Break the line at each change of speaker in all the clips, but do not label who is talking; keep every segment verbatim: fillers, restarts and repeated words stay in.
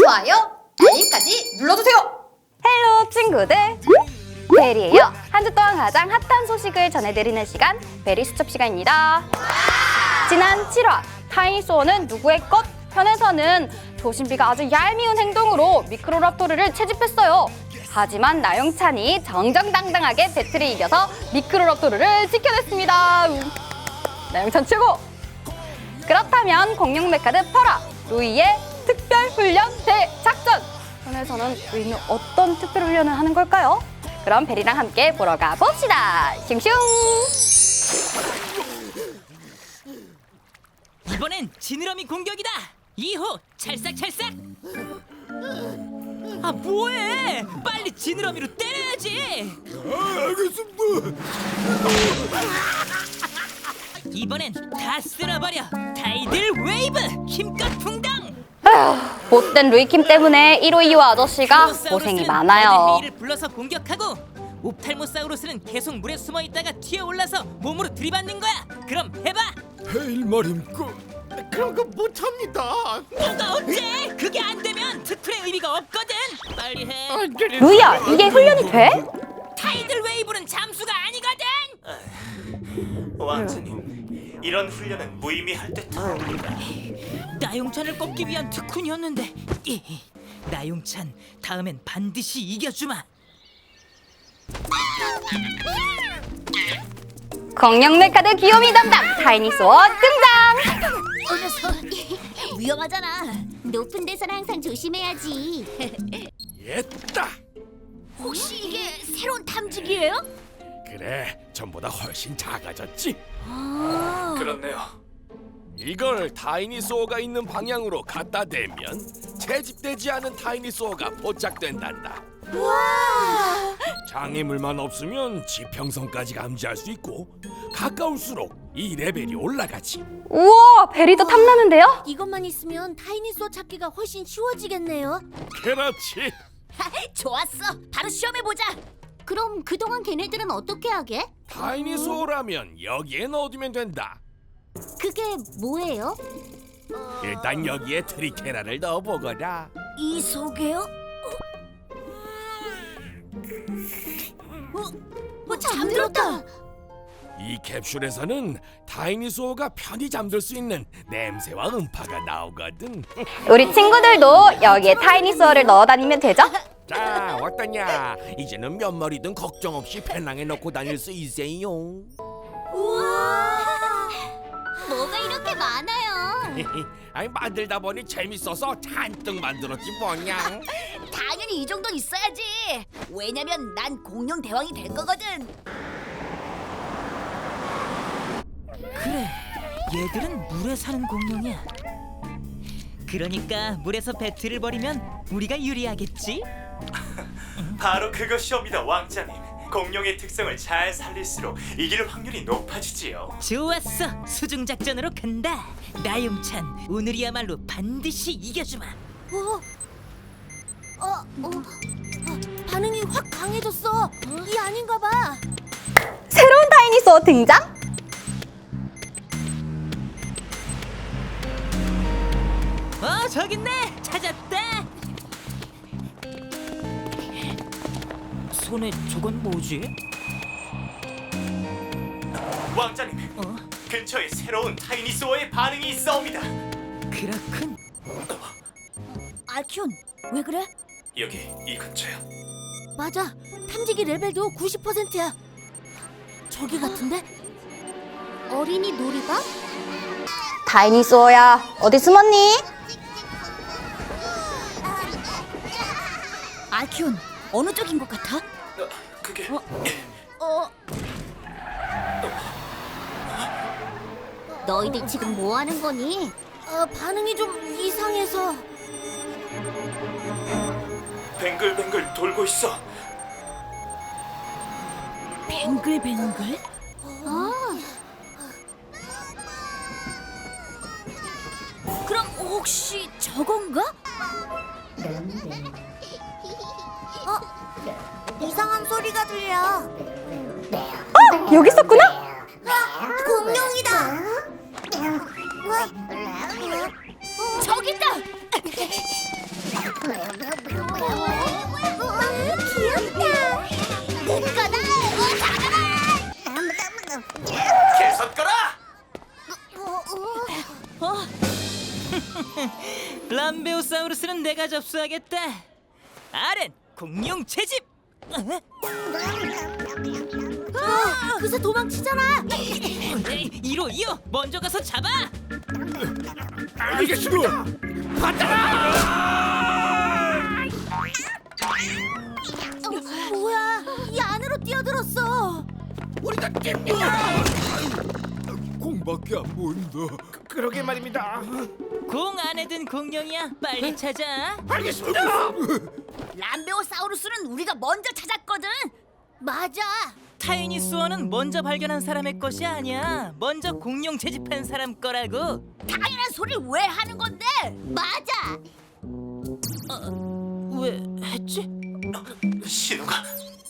좋아요, 알림까지 눌러주세요.
헬로 친구들, 베리예요. 한 주 동안 가장 핫한 소식을 전해드리는 시간, 베리 수첩 시간입니다. 지난 칠 화 타이니소어는 누구의 것 편에서는 조신비가 아주 얄미운 행동으로 미크로랍토르를 채집했어요. 하지만 나영찬이 정정당당하게 배틀을 이겨서 미크로랍토르를 지켜냈습니다. 나영찬 최고! 그렇다면 공룡 메카드 퍼라 루이의 특별훈련 대작전! 편에서는 루이는 어떤 특별훈련을 하는 걸까요? 그럼 베리랑 함께 보러 가봅시다. 슝슝!
이번엔 지느러미 공격이다. 이 호 찰싹찰싹. 아 뭐해? 빨리 지느러미로 때려야지.
아, 알겠습니다.
이번엔 다 쓸어버려. 타이들 웨이브 힘껏 풍당.
아휴, 못된 루이킴 때문에 일호이호 아저씨가 고생이
티라노사우루스는
많아요.
헤이를 불러서 공격하고 옵탈모사우루스는 계속 물에 숨어 있다가 튀어올라서 몸으로 들이받는 거야. 그럼 해봐.
헤일 말입니까? 그런 거 못합니다.
뭐가 어째? 그게 안 되면 특훈의 의미가 없거든. 빨리 해.
루이야, 이게 훈련이 돼?
타이들 웨이브는 잠수가 아니거든.
왕자님, 이런 훈련은 무의미할 듯합니다.
나용찬을 꺾기 위한 특훈이었는데. 이, 나용찬, 다음엔 반드시 이겨주마.
공룡 메카드 귀요미 담당 타이니소어 등장!
어 녀석 위험하잖아. 높은 데서는 항상 조심해야지.
옛다.
혹시 이게 새로운 탐지기예요?
그래, 전보다 훨씬 작아졌지.
아,
그렇네요.
이걸 타이니소어가 있는 방향으로 갖다 대면 채집되지 않은 타이니소어가 포착된단다.
와,
장애물만 없으면 지평선까지 감지할 수 있고 가까울수록 이 레벨이 올라가지.
우와, 베리도 탐나는데요?
이것만 있으면 타이니소어 찾기가 훨씬 쉬워지겠네요.
그렇지.
좋았어, 바로 시험해 보자. 그럼 그동안 걔네들은 어떻게 하게?
타이니소어라면 여기에 넣어두면 된다.
그게 뭐예요?
일단 여기에 트리케라를 넣어보거라.
이 속에요? 어, 어, 잠들었다.
이 캡슐에서는 타이니소어가 편히 잠들 수 있는 냄새와 음파가 나오거든.
우리 친구들도 여기에 타이니소어를 넣어 다니면 되죠?
자, 어떠냐? 이제는 몇 마리든 걱정 없이 배낭에 넣고 다닐 수 있어요.
우와, 뭐가 이렇게 많아요?
아니, 만들다 보니 재밌어서 잔뜩 만들었지 뭐냐.
당연히 이 정도 있어야지. 왜냐면 난 공룡 대왕이 될 거거든.
그래, 얘들은 물에 사는 공룡이야. 그러니까 물에서 배틀을 벌이면 우리가 유리하겠지?
바로 그것이옵니다, 왕자님. 공룡의 특성을 잘 살릴수록 이길 확률이 높아지지요.
좋았어, 수중 작전으로 간다. 나용찬, 오늘이야말로 반드시 이겨주마.
어? 어? 어? 어, 반응이 확 강해졌어. 이 아닌가 봐.
새로운 타이니소어 등장?
어, 저기 있네. 찾았다. 손에 저건 뭐지?
왕자님,
어?
근처에 새로운 타이니소어의 반응이 있어옵니다.
그렇군.
알키온, 왜 그래?
여기 이 근처요.
맞아. 탐지기 레벨도 구십 퍼센트야. 저기 같은데? 어린이 놀이방?
타이니소어야, 어디 숨었니?
알키온, 어느 쪽인 것 같아?
어, 그게
어? 너희들 지금 뭐 하는 거니? 어, 반응이 좀 이상해서.
뱅글뱅글 돌고 있어.
뱅글뱅글? 아. 그럼 혹시 저건가? 어? 이상한 소리가 들려.
어, 여기 있었구나?
공룡이다. 저기 있다.
람베오사우루스는 내가 접수하겠다. 알은 공룡 채집. 어?
아, 그새 도망치잖아.
에이, 이로 이어 먼저 가서 잡아.
알겠습니다.
어, 뭐야? 이 안으로 뛰어들었어.
우리가 깹니다. 공밖에 안 보인다.
그러게 말입니다.
공 안에 든 공룡이야. 빨리 찾아.
알겠습니다.
람베오사우루스는 우리가 먼저 찾았거든. 맞아.
타이니스원은 먼저 발견한 사람의 것이 아니야. 먼저 공룡 채집한 사람 거라고.
당연한 소리를 왜 하는 건데? 맞아.
왜 했지?
신호가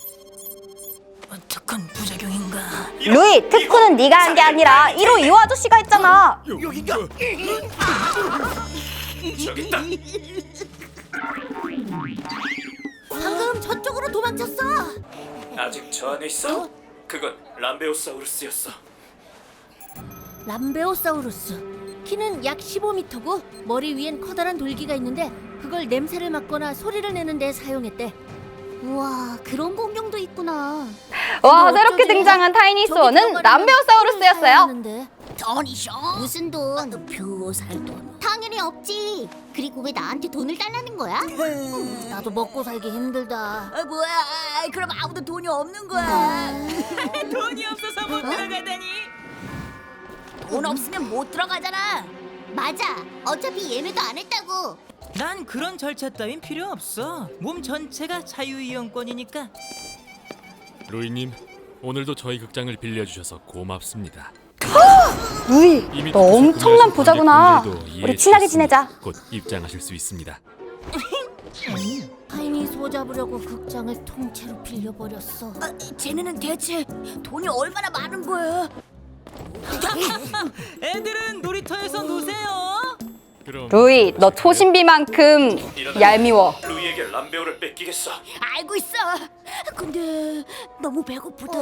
어떡한 부작용인가?
루이, 특훈은 네가 한 게 아니라 일 호 이 호 아저씨가 했잖아.
여기가
저기 있다.
방금 저쪽으로 도망쳤어.
아직 저 안에 있어? 그건 람베오사우루스였어.
람베오사우루스. 키는 약 십오 미터고 머리 위엔 커다란 돌기가 있는데 그걸 냄새를 맡거나 소리를 내는 데 사용했대. 우와, 그런 공룡도 있구나.
와, 새롭게 등장한 타이니스원은 람베오사우루스였어요.
돈이쇼? 무슨 돈? 뷰살 돈. 당연히 없지. 그리고 왜 나한테 돈을 달라는 거야? 음, 나도 먹고 살기 힘들다. 아, 뭐야? 아, 그럼 아무도 돈이 없는 거야.
돈이 없어서 못 들어가다니.
돈 없으면 못 들어가잖아. 맞아. 어차피 예매도 안 했다고.
난 그런 절차 따윈 필요 없어. 몸 전체가 자유이용권이니까.
로이님, 오늘도 저희 극장을 빌려주셔서 고맙습니다.
루이,
이미
너
투표소
엄청난
구매하신
부자구나.
관객분들도 이해해
우리 친하게
주셨으니
지내자.
곧 입장하실 수 있습니다.
타이니 소 잡으려고 극장을 통째로 빌려버렸어. 아, 쟤네는 대체 돈이 얼마나 많은 거야?
애들은 놀이터에서 노세요.
그럼
루이, 너 초신비만큼 얄미워.
루이에게 람베오를 뺏기겠어.
알고 있어. 근데 너무 배고프다.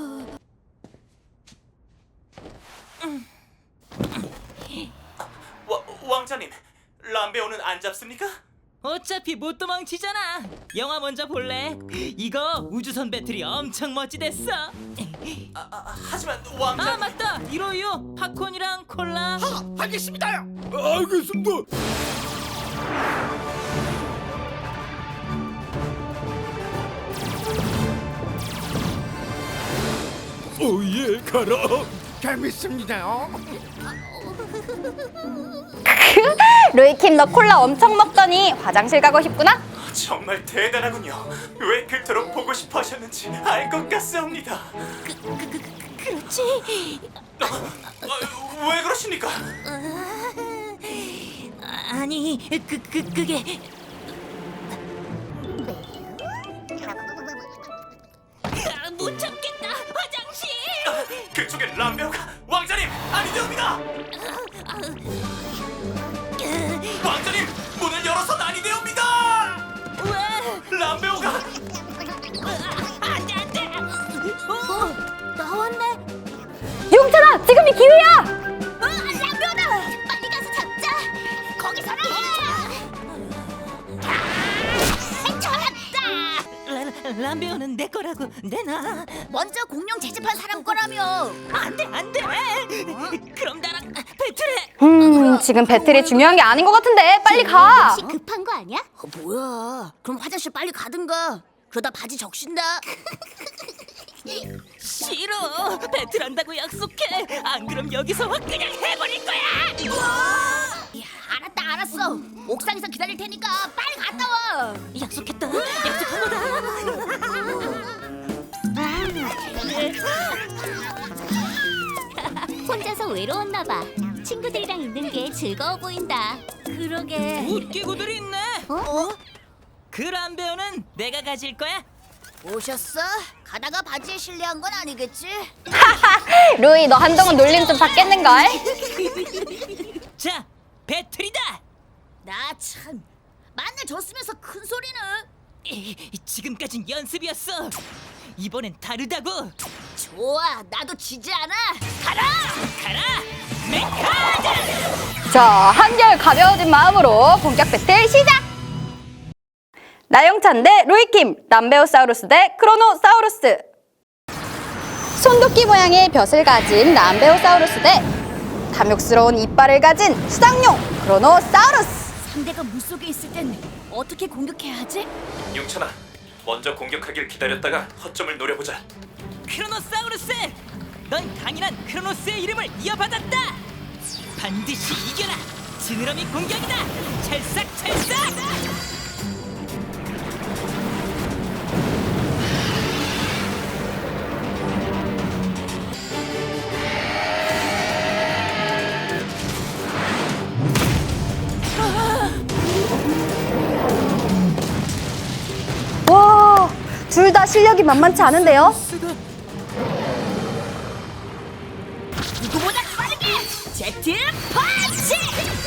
와, 왕자님, 람베오는 안 잡습니까?
어차피 못 도망치잖아. 영화 먼저 볼래? 이거 우주선 배틀이 엄청 멋지댔어.
아, 아, 하지만
아
왕자님.
맞다. 이로요 팝콘이랑 콜라.
알겠습니다. 알겠습니다. 오예 가라.
재밌습니다요.
루이킴, 너 콜라 엄청 먹더니 화장실 가고 싶구나?
정말 대단하군요. 왜 그토록 보고 싶어 하셨는지 알 것 같사옵니다.
그렇지.
아, 왜 그러십니까?
아니, 그, 그, 그게 아, 못 참겠다. 화장실.
그쪽에 람베오가 왕자님 아니되옵니다. 왕자님 문을 열어서 아니되옵니다.
왜?
람베오가
안돼 안돼. 어, 나왔네.
용찬아, 지금이 기회야!
어, 람베오다. 빨리 가서 잡자. 거기서라. 아, 잡았다.
람베오는 내 거라고 내놔.
먼저 공룡 채집한 사람 거라며.
안돼 안돼. 그럼 나랑 배틀해.
음, 지금 배틀이 중요한 게 아닌 것 같은데 빨리 가!
혹시 급한 거 아니야? 어, 뭐야? 그럼 화장실 빨리 가든가. 그러다 바지 적신다.
싫어. 배틀한다고 약속해. 안 그럼 여기서 확 그냥 해버릴 거야.
야, 알았다 알았어. 옥상에서 기다릴 테니까 빨리 갔다 와.
약속했다. 약속한 거다.
혼자서 외로웠나 봐. 친구들이랑 있는 게 즐거워 보인다. 그러게.
웃기고들이 있네.
어?
그 람베오는 내가 가질 거야.
오셨어? 가다가 바지에 실례한 건 아니겠지?
루이, 너 한동안 놀림 좀 받겠는걸?
자, 배틀이다.
나 참. 만날 줬으면서 큰 소리는.
이, 지금까진 연습이었어. 이번엔 다르다고.
좋아, 나도 지지 않아.
가라, 가라, 메카드.
자, 한결 가벼워진 마음으로 본격 배틀 시작! 나영찬 대 로이킴, 람베오사우루스 대 크로노사우루스. 손도끼 모양의 벼슬 가진 람베오사우루스 대 탐욕스러운 이빨을 가진 수상용 크로노사우루스.
상대가 물속에 있을 땐 어떻게 공격해야 하지?
용찬아, 먼저 공격하길 기다렸다가 허점을 노려보자.
크로노사우루스! 넌 강인한 크로노스의 이름을 이어받았다! 반드시 이겨라! 지느러미 공격이다! 찰싹찰싹!
와, 둘 다 실력이 만만치 않은데요?
누구보다 빠르게 제트 펀치!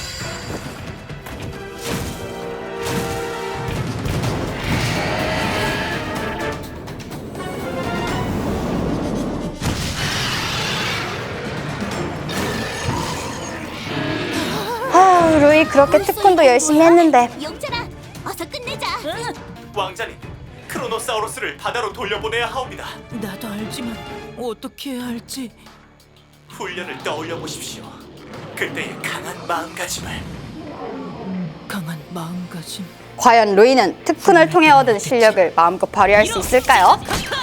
아, 루이 그렇게 태권도 열심히 했는데
영철아, 어서 끝내자.
왕자님, 크로노사우루스를 바다로 돌려보내야 하옵니다.
나도 알지만 어떻게 해야 할지.
훈련을 떠올려 보십시오. 그때의 강한 마음가짐을.
강한 마음가짐.
과연 루이는 특훈을 통해 얻은 실력을 마음껏 발휘할 수 있을까요?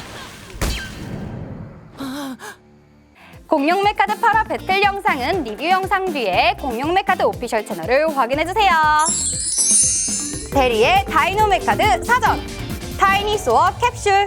공룡 메카드 팔 화 배틀 영상은 리뷰 영상 뒤에 공룡 메카드 오피셜 채널을 확인해주세요. 대리의 다이노 메카드 사전, 타이니소어 캡슐,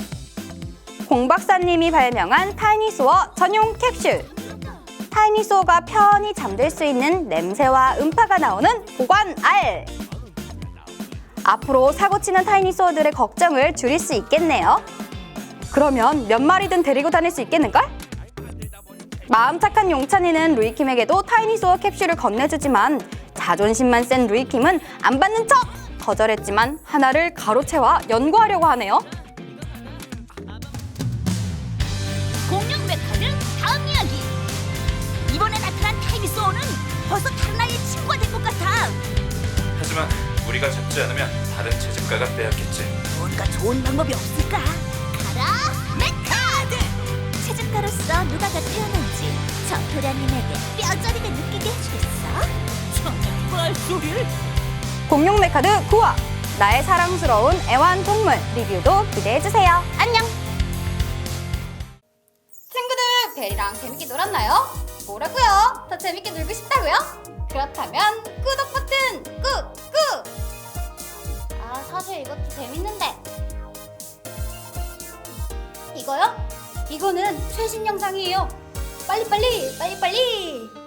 공박사님이 발명한 타이니소어 전용 캡슐, 타이니소어가 편히 잠들 수 있는 냄새와 음파가 나오는 보관 알. 앞으로 사고치는 타이니소어들의 걱정을 줄일 수 있겠네요. 그러면 몇 마리든 데리고 다닐 수 있겠는걸? 마음 착한 용찬이는 루이킴에게도 타이니소어 캡슐을 건네주지만 자존심만 센 루이킴은 안 받는 척! 거절했지만 하나를 가로채와 연구하려고 하네요.
공룡 메카드 다음 이야기. 이번에 나타난 타이니소어는 벌써 다른 아이의 친구가 된 것 같아.
하지만 우리가 잡지 않으면 다른 채집가가 빼앗겠지.
뭔가 좋은 방법이 없을까? 가라 메카드! 채집가로서 누가가 태어난지 저 도련님에게 뼈저리게 느끼게 해주겠어?
정말 소리를?
공룡 메카드 구 화, 나의 사랑스러운 애완동물 리뷰도 기대해주세요. 안녕!
친구들, 베리랑 재밌게 놀았나요? 뭐라고요? 더 재밌게 놀고 싶다고요? 그렇다면 구독 버튼 꾹꾹! 아, 사실 이것도 재밌는데. 이거요? 이거는 최신 영상이에요. 빨리빨리, 빨리빨리!